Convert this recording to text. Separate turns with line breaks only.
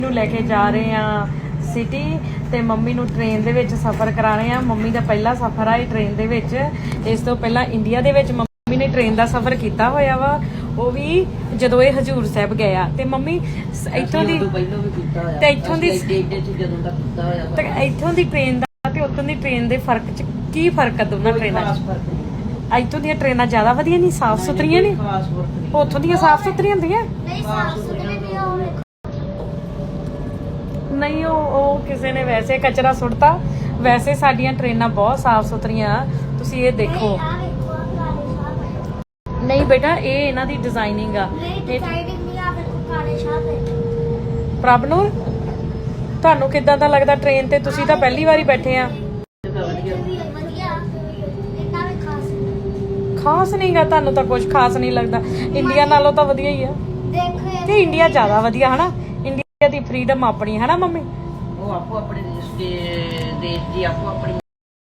ਨੂੰ ਲੈ ਕੇ ਜਾ ਰਹੇ ਆ ਸਿਟੀ ਤੇ ਮੰਮੀ ਨੂੰ ਟ੍ਰੇਨ ਦੇ ਵਿੱਚ ਸਫ਼ਰ ਕਰਾ ਰਹੇ ਆ। ਮੰਮੀ ਦਾ ਪਹਿਲਾ ਸਫ਼ਰ ਆ ਇਹ ਟ੍ਰੇਨ ਦੇ ਵਿੱਚ। ਇਸ ਤੋਂ ਪਹਿਲਾਂ ਇੰਡੀਆ ਦੇ ਵਿੱਚ ਮੰਮੀ ਨੇ ਟ੍ਰੇਨ ਦਾ ਸਫ਼ਰ ਕੀਤਾ ਹੋਇਆ ਵਾ, ਉਹ ਵੀ ਜਦੋਂ ਇਹ ਹਜੂਰ ਸਾਹਿਬ ਗਏ ਆ। ਤੇ ਮੰਮੀ ਇੱਥੋਂ ਦੀ ਤੇ ਇੱਥੋਂ ਦੀ ਤੇ ਇੱਥੋਂ ਦੀ ਟ੍ਰੇਨ ਦਾ ਤੇ ਉੱਥੋਂ ਦੀ ਟ੍ਰੇਨ ਦੇ ਫਰਕ ਚ ਕੀ ਫਰਕ ਆ ਦੋਨਾਂ ਟ੍ਰੇਨਾਂ 'ਚ? ਇੱਥੋਂ ਦੀਆਂ ਟ੍ਰੇਨਾਂ ਜ਼ਿਆਦਾ ਵਧੀਆ ਨਹੀਂ, ਸਾਫ਼ ਸੁਥਰੀਆਂ ਨੇ? ਉੱਥੋਂ ਦੀਆਂ ਸਾਫ਼ ਸੁਥਰੀਆਂ ਹੁੰਦੀਆਂ ਨਹੀਂ? ਉਹ ਕਿਸੇ ਨੇ ਵੈਸੇ ਕਚਰਾ ਸੁੱਟਤਾ। ਵੈਸੇ ਸਾਡੀਆਂ ਟ੍ਰੇਨਾਂ ਬਹੁਤ ਸਾਫ਼ ਸੁਥਰੀਆਂ। ਤੁਸੀਂ ਇਹ ਦੇਖੋ। ਨਹੀਂ ਬੇਟਾ, ਇਹ ਇਹਨਾਂ ਦੀ ਡਿਜ਼ਾਈਨਿੰਗ ਆ। ਪ੍ਰਭ ਨੂੰ ਤੁਹਾਨੂੰ ਕਿੱਦਾਂ ਦਾ ਲੱਗਦਾ ਟ੍ਰੇਨ ਤੇ? ਤੁਸੀਂ ਤਾਂ ਪਹਿਲੀ ਵਾਰੀ ਬੈਠੇ ਆ। ਖਾਸ ਨਹੀਂਗਾ ਤੁਹਾਨੂੰ ਤਾਂ? ਕੁਝ ਖਾਸ ਨਹੀਂ ਲੱਗਦਾ? ਇੰਡੀਆ ਨਾਲੋਂ ਤਾਂ ਵਧੀਆ ਹੀ ਆ ਕਿ ਇੰਡੀਆ ਜ਼ਿਆਦਾ ਵਧੀਆ ਹਨਾ? ਇੰਡੀਆ ਦੀ ਫਰੀडम ਆਪਣੀ ਹਨਾ ਮੰਮੀ?
ਉਹ ਆਪੋ ਆਪਣੇ ਦੇਸ਼ ਦੀ ਆਪੋ ਆਪਣੀ